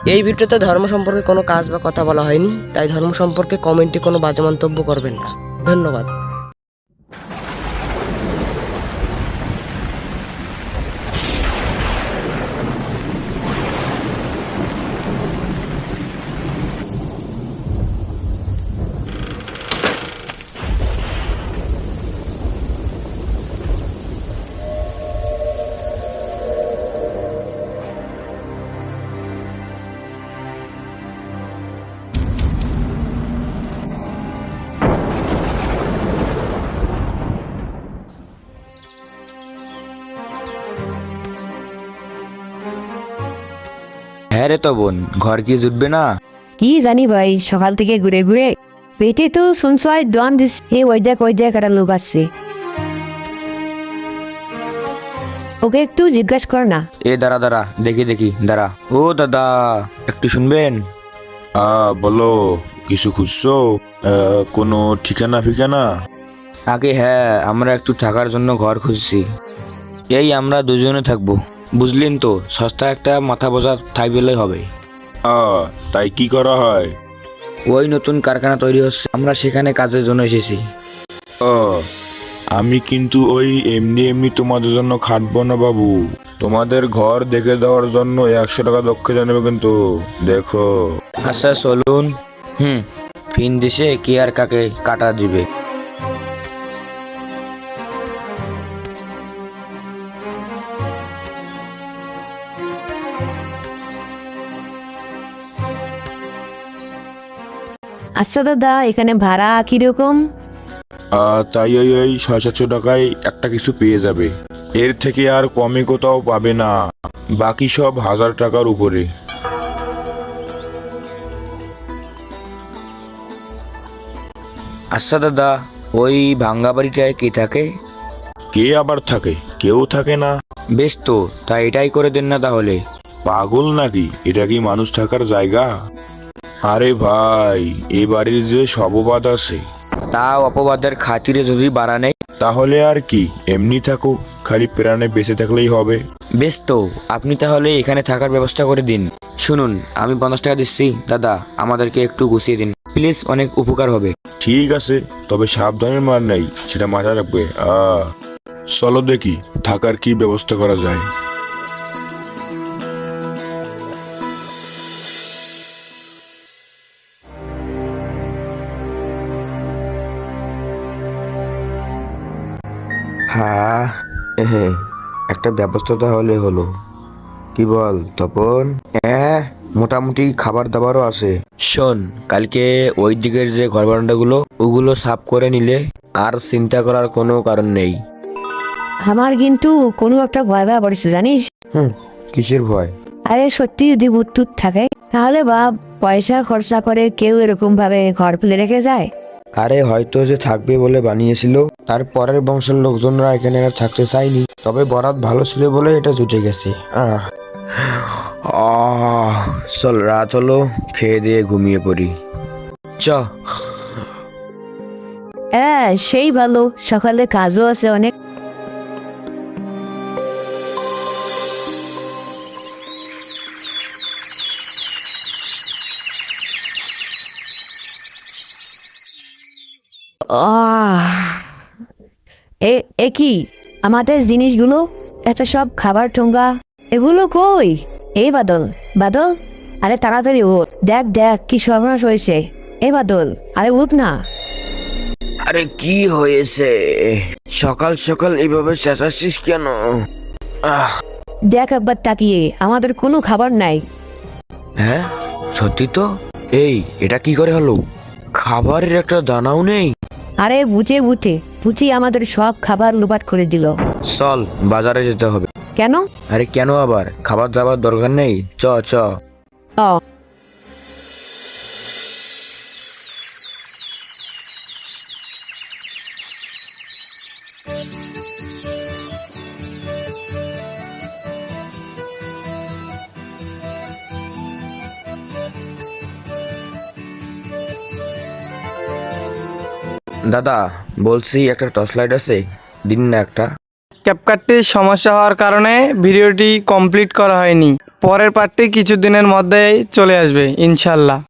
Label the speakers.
Speaker 1: এই ভিডিওতে ধর্ম সম্পর্কে কোনো কাজ বা কথা বলা হয়নি, তাই ধর্ম সম্পর্কে কমেন্টে কোনো বাজে মন্তব্য করবেন না। ধন্যবাদ।
Speaker 2: হ্যাঁ রে তো বোন, ঘর কি জুটবে না?
Speaker 3: কি জানি ভাই, সকাল থেকে ঘুরে ঘুরে পেটে তো শুনছো আর ডন দিস। ওই দেখ একটা লোক আসছে, ওকে একটু জিজ্ঞাসা কর না।
Speaker 2: দাঁড়া দাঁড়া, দেখি দাঁড়া। ও দাদা, একটু শুনবেন?
Speaker 4: বলো, কিছু খুঁজছো? কোনো ঠিকানা ফিকানা?
Speaker 2: আগে হ্যাঁ, আমরা একটু থাকার জন্য ঘর খুঁজছি। আমরা দুজনে থাকবো, বুঝলেন তো। সস্তা একটা মাথা বোঝা ঠাই পেলেই হবে।
Speaker 4: তাই কি করা হয়?
Speaker 2: ওই নতুন কারখানা তৈরি হচ্ছে, আমরা সেখানে কাজের জন্য এসেছি।
Speaker 4: আমি কিন্তু ওই এমনি এমনি তোমাদের জন্য খাটবো না বাবু। তোমাদের ঘর দেখে দেওয়ার জন্য 100 টাকা দক্ষিণা নেবে কিন্তু, দেখো।
Speaker 2: আচ্ছা চলুন। ফিন দিছে কে আর কাকে কাটা দিবে।
Speaker 3: আচ্ছা দাদা, এখানে ভাড়া কিরকম?
Speaker 4: তাই ওই 600-700 টাকায় একটা কিছু পেয়ে যাবে। এর থেকে আর কমে কোথাও পাবে না, বাকি সব 1000 টাকার উপরে।
Speaker 2: আচ্ছা দাদা, ওই ভাঙ্গা বাড়িটায় কে থাকে?
Speaker 4: কে আবার থাকে? কেউ থাকে না।
Speaker 2: বেশ তো, তা এটাই করে দেন না তাহলে।
Speaker 4: পাগল নাকি? এটা কি মানুষ থাকার জায়গা? আরে ভাই, এ বাড়ির যে সব অপবাদ আছে।
Speaker 2: তাও অপবাদের খাতিরে যদি বাড়া নেই,
Speaker 4: তাহলে আর কি, এমনি থাকো, খালি প্রাণে বেঁচে থাকলেই হবে।
Speaker 2: বেশ তো, আপনি তাহলে এখানে থাকার ব্যবস্থা করে দিন। শুনুন, আমি 50 টাকা দিচ্ছি দাদা, আমাদেরকে একটু গুছিয়ে দিন প্লিজ, অনেক উপকার হবে।
Speaker 4: ঠিক আছে, তবে সাবধানের মার নাই, সেটা মাথায় রাখবে। চলো দেখি থাকার কি ব্যবস্থা করা যায়।
Speaker 5: হ্যাঁ, একটা ব্যবস্থা তাহলে হলো। কি বল তপন? মোটামুটি খাবার দাবারও আছে।
Speaker 2: শোন, কালকে ওই দিকের যে ঘর বারান্দাগুলো ওগুলো সাফ করে নিলে আর চিন্তা করার কোনো কারণ নেই।
Speaker 3: আমার কিন্তু কোনো একটা ভয় পড়েছে জানিস।
Speaker 5: কিসের ভয়?
Speaker 3: আরে সত্যি যদি ভূত টুত থাকে, তাহলে বাপ পয়সা খরচা করে কেউ এরকম ভাবে ঘর ফেলে রেখে যায়।
Speaker 5: আরে হয়তো যে থাকবে বলে বানিয়েছিল, তার পরের বংশের লোকজনরা এখানে আর থাকতে চায়নি, তবে বরাত ভালো ছিল বলে এটা জুটে গেছে।
Speaker 2: চল রাত হলো, খেয়ে দিয়ে ঘুমিয়ে পড়ি। চ।
Speaker 3: সেই ভালো, সকালে কাজও আছে অনেক। এ কি আমাদের জিনিসগুলো, এটা সব খাবার ঠোঙ্গা, এগুলো কই? এই বাদল, বাদল, আরে তাড়াতাড়ি উঠ, দেখ দেখ কি সর্বনাশ হয়েছে। বাদল, আরে উঠ না।
Speaker 2: আরে কি হয়েছে? সকাল সকাল এইভাবে চেঁচাচ্ছিস কেন?
Speaker 3: দেখ একবার তাকিয়ে, আমাদের কোনো খাবার নাই।
Speaker 2: হ্যাঁ সত্যি তো। এটা কি করে হলো? খাবারের একটা দানাও নেই।
Speaker 3: আরে বুঝে বুঝি আমাদের সব খাবার লোপাট করে দিল।
Speaker 2: চল, বাজারে যেতে হবে।
Speaker 3: কেন?
Speaker 2: আরে কেন আবার, খাবার দাবার দরকার নেই, চ চ।
Speaker 3: ও
Speaker 2: দাদা বলছি, একটা টর্চ লাইট আছে, দিন না একটা।
Speaker 6: ক্যাপকাটটির সমস্যা হওয়ার কারণে ভিডিওটি কমপ্লিট করা হয়নি। পরের পার্টটি কিছুদিনের মধ্যেই চলে আসবে ইনশাল্লাহ।